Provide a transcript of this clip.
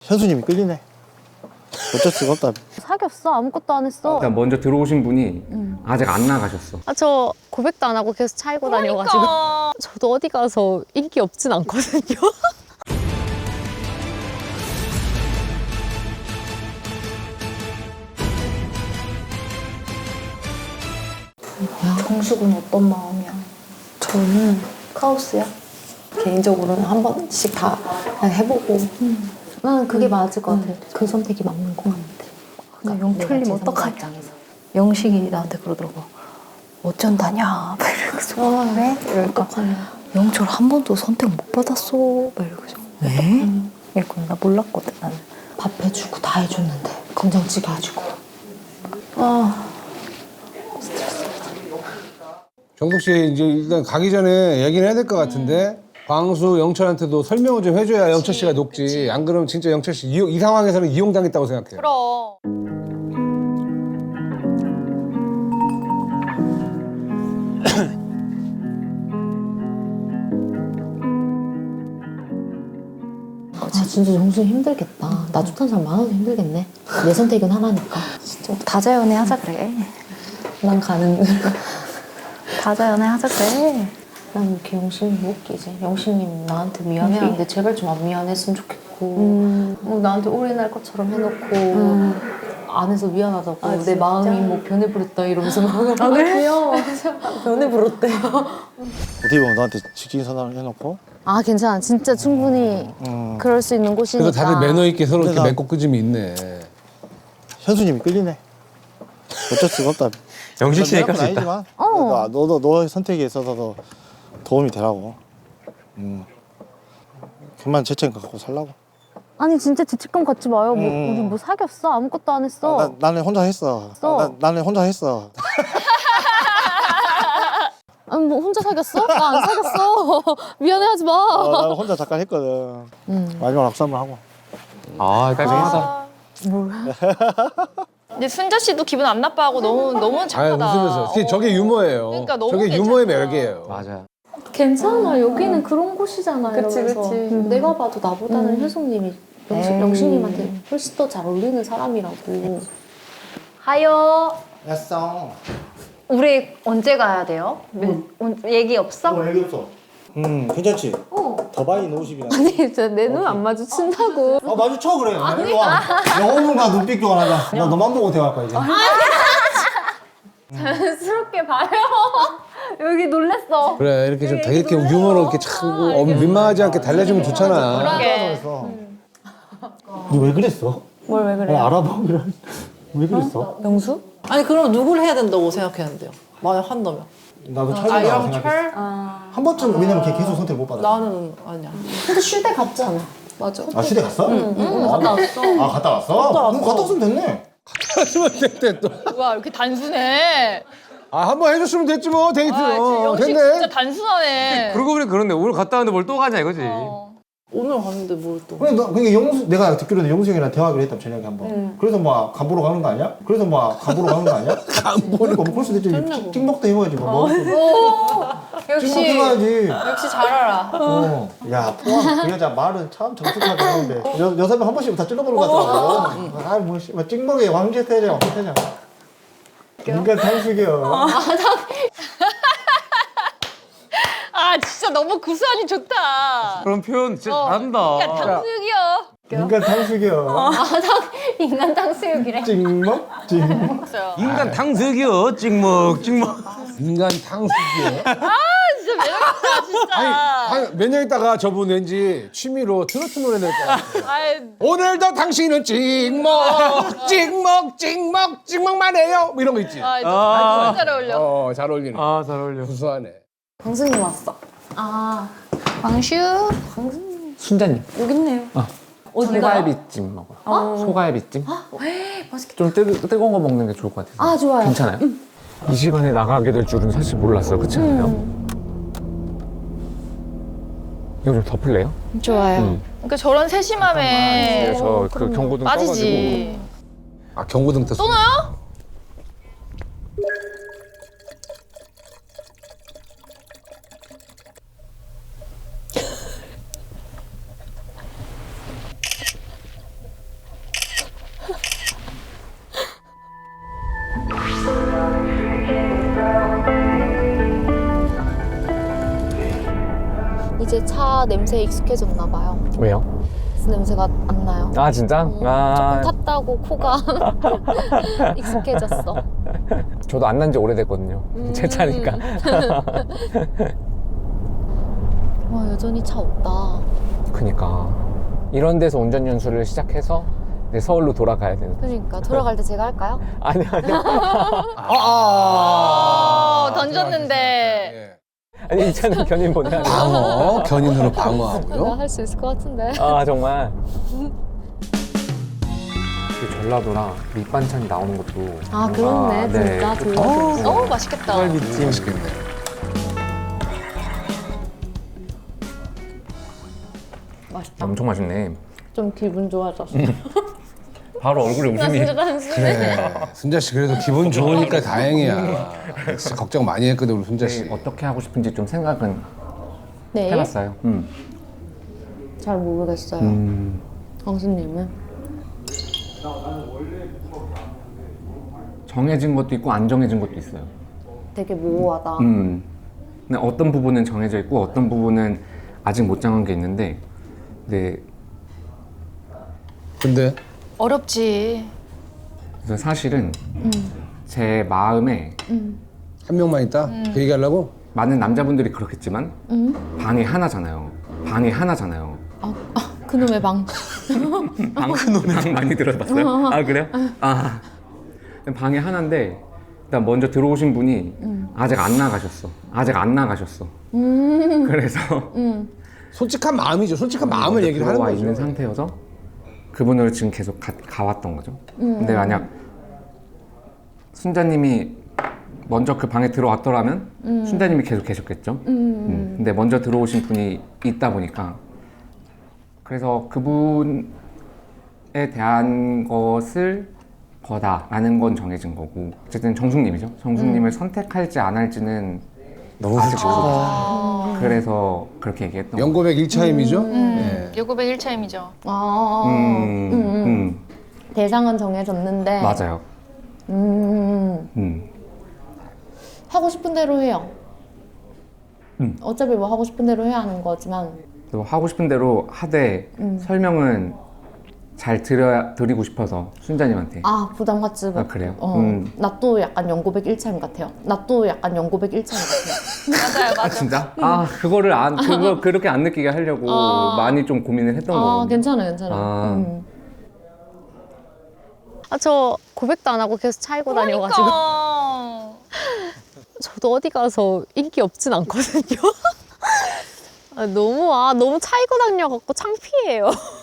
현수님이 끌리네. 어쩔 수가 없다. 사귀었어? 아무것도 안 했어. 일단 먼저 들어오신 분이 아직 안 나가셨어. 아, 저 고백도 안 하고 계속 차이고 다녀가지고. 저도 어디 가서 인기 없진 않거든요. 정숙은 어떤 마음이야? 저는 카오스야. 개인적으로는 한 번씩 다 그냥 해보고. 나는 그게 맞을 것 같아. 그 선택이 맞는 것 같아. 그러니까 영 틀리면 어떡하냐. 영식이 나한테 그러더라고. 어쩐다냐. 막 이러면서. 왜? 이럴까. 영철 한 번도 선택 못 받았어. 막 이러면서. 왜? 이랬거든. 나 몰랐거든, 나는. 밥 해주고 다 해줬는데. 검정찌개 해주고. 정숙 씨 이제 일단 가기 전에 얘기를 해야 될 것 같은데 광수 영철한테도 설명을 좀 해줘야 영철 씨가 녹지. 안 그러면 진짜 영철 씨 이 상황에서는 이용당했다고 생각해요. 그럼. 아, 진짜 정수 힘들겠다. 나 좋다는 사람 많아도 힘들겠네. 내 선택은 하나니까. 진짜 다자연애 하자 그래. 난 가는. 다자연애 하자 그래. 난 이렇게 영신님 못 웃기지. 영신님 나한테 미안해하는데 제발 좀 안 미안했으면 좋겠고 나한테 올인할 것처럼 해놓고 안 해서 미안하다고 내 마음이 뭐 변해버렸다 이러면서 막 귀여워. 변해버렸대. 어떻게 보면 너한테 직진 선언을 해놓고. 아 괜찮아. 진짜 충분히 그럴 수 있는 곳이니까. 그래서 다들 매너 있게 서로 이렇게 그래서- 맺고 끄짐이 있네. 현수님이 끌리네. 어쩔 수가 없다. 영식 씨니까 건 수 있다. 아니지만 너의 선택에 있어서도 도움이 되라고. 그만 죄책감 갖고 살라고. 아니 진짜 죄책감 갖지 마요. 뭐, 우리 뭐 사귀었어? 아무것도 안 했어. 나는 혼자 했어. 나는 혼자 했어. 아니 뭐 혼자 사귀었어? 나 안 사귀었어. 미안해하지 마. 나는 혼자 잠깐 했거든. 마지막 악수 한번 하고. 아, 깔끔하다. 근데 순자 씨도 기분 안 나빠하고 너무 아 착하다. 웃으면서. 저게 유머예요. 그러니까 너무 저게 괜찮다. 유머의 매력이에요. 맞아. 괜찮아. 여기는 그런 곳이잖아. 그치, 이러면서. 그치. 내가 봐도 나보다는 효숙님이 영식님한테 훨씬 더 잘 어울리는 사람이라고. 하요. 됐어. 우리 언제 가야 돼요? 얘기 없어? 얘기 없어. 괜찮지? 더 많이 노십이라. 아니 진짜 내 눈 안 마주친다고. 마주쳐 그래. 아니. 와. 영호문과 눈빛 교환하자. 나 너만 보고 대화할 거야 이제. 자연스럽게 봐요. 여기 놀랬어. 그래 이렇게 좀 되게 이렇게 유머로 이렇게 차고 민망하지 않게 달래주면 좋잖아. 너 왜 그랬어? 뭘 왜 그래? 알아보기로. 왜 그랬어? 명수? 아니 그럼 누굴 해야 된다고 생각했는데요? 만약 한다면 나도 철이라고 생각했어. 한 번쯤 왜냐면 걔 계속 선택 못 받아. 나는 아니야. 근데 쉴 때 갔잖아. 맞아. 아 시대 갔어? 갔다 왔어. 아 갔다 왔어? 갔다 왔으면 됐네. 하시면 됐대 또. 와 이렇게 단순해. 아 한번 해줬으면 됐지 뭐 데이트. 아, 진짜 영식 진짜 됐네. 단순하네. 그러고 보니 그런데 오늘 갔다 왔는데 뭘 또 가냐 이거지. 오늘 갔는데 뭘 또? 그러니까 영수 내가 듣기로는 영수 형이랑 대화하기로 했다 저녁에 한번. 그래서 뭐 간 보러 가는 거 아니야? 그래서 뭐 간 보러 가는 거 아니야? 간 보러. 뭐 그럴 수도 있지. 찍먹도 해봐야지. 뭐. 역시 찍먹해봐야지. 역시 잘 알아. 야 포함 그 여자 말은 참 정숙하게 하는데 여자분 한 번씩 다 찔러보는 것 같더라고. 아뭐 찍먹의 왕제 태자 왕제 태자. 인간 탕수기요. 아 진짜 너무 구수하니 좋다. 그런 표현 진짜 잘한다. 야 탕수육이요. 인간 탕수기요. 인간 탕수육이래. 찍먹 찍먹. 인간 탕수육이요. 찍먹 찍먹. 인간 탕수기요. 진짜 매력있다 진짜. 몇 년 있다가 저분 왠지 취미로 트로트 노래 낼 거야. 아이, 오늘도 당신은 찍먹 찍먹 찍먹 찍먹만 해요. 뭐 이런 거 있지. 너무 잘 어울려. 잘 어울리네. 아, 잘 어울려. 구수하네. 광수님 왔어. 광슈. 순자님. 여기 있네요. 소갈비찜 먹어요. 소갈비찜? 맛있겠다. 좀 뜨거운 거 먹는 게 좋을 것 같아요. 아 좋아요. 괜찮아요? 이 시간에 나가게 될 줄은 사실 몰랐어요. 그렇지 않아요? 이거 좀 덮을래요? 좋아요. 그러니까 저런 세심함에 저 그 경고등 빠지지. 아 경고등 떴어. 또 넣어요? 이제 차 냄새에 익숙해졌나 봐요. 왜요? 그래서 냄새가 안 나요. 아 진짜? 조금 아 탔다고 코가 익숙해졌어. 저도 안 난 지 오래됐거든요. 제 차니까. 와 여전히 차 없다. 그니까 이런 데서 운전 연수를 시작해서 이제 서울로 돌아가야 되는. 그러니까 돌아갈 때 제가 할까요? 아니요. 던졌는데. 아니 이 차는 견인 보내야 돼요. 방어 견인으로 방어하고요. 내가 할 수 있을 것 같은데. 아 정말. 그 전라도라 밑반찬이 나오는 것도. 아 뭔가, 그렇네 진짜. 좀 너무 맛있겠다. 소갈비찜 맛있겠네. 맛있다. 엄청 맛있네. 좀 기분 좋아졌어. 바로 얼굴에 나 웃음이. 진짜 단순해. 그래. 순자 씨 그래도 기분 좋으니까 다행이야. 진짜 걱정 많이 했거든 우리 순자 씨. 어떻게 하고 싶은지 좀 생각은 네. 해봤어요. 잘 모르겠어요. 강수님은? 정해진 것도 있고 안 정해진 것도 있어요. 되게 모호하다. 근데 어떤 부분은 정해져 있고 어떤 부분은 아직 못 정한 게 있는데, 네. 근데 어렵지. 그래서 사실은 제 마음에 한 명만 있다? 그 얘기하려고? 많은 남자분들이 그렇겠지만 방이 하나잖아요. 방이 하나잖아요. 그놈의 방. 방 많이 들어봤어요? 아 그래요? 아 방이 하나인데 일단 먼저 들어오신 분이 아직 안 나가셨어. 아직 안 나가셨어. 그래서 솔직한 마음이죠. 솔직한 마음을 얘기를 하는 들어와 거죠. 있는 상태여서 그분을 지금 계속 가왔던 거죠. 근데 만약 순자님이 먼저 그 방에 들어왔더라면 순자님이 계속 계셨겠죠. 근데 먼저 들어오신 분이 있다 보니까 그래서 그분에 대한 것을 거다라는 건 정해진 거고 어쨌든 정숙님이죠. 정숙님을 선택할지 안 할지는 너무 솔직히 그래서 그렇게 얘기했던 거예요. 연고백 1차임이죠? 네. 요고백 1차임이죠. 대상은 정해졌는데. 맞아요. 하고 싶은 대로 해요. 어차피 뭐 하고 싶은 대로 해야 하는 거지만. 또 하고 싶은 대로 하되 설명은 잘 드리고 싶어서 순자님한테. 아 부담 갖지 마. 아, 그래요? 나 또 약간 연고백 1차임 같아요. 나 또 약간 연고백 1차임 같아요. 맞아요, 아 진짜? 아 그거를 그렇게 안 느끼게 하려고 많이 좀 고민을 했던 거거든요. 괜찮아요. 저 고백도 안 하고 계속 차이고 다녀가지고. 그러니까. 저도 어디 가서 인기 없진 않거든요. 너무 차이고 다녀갖고 창피해요.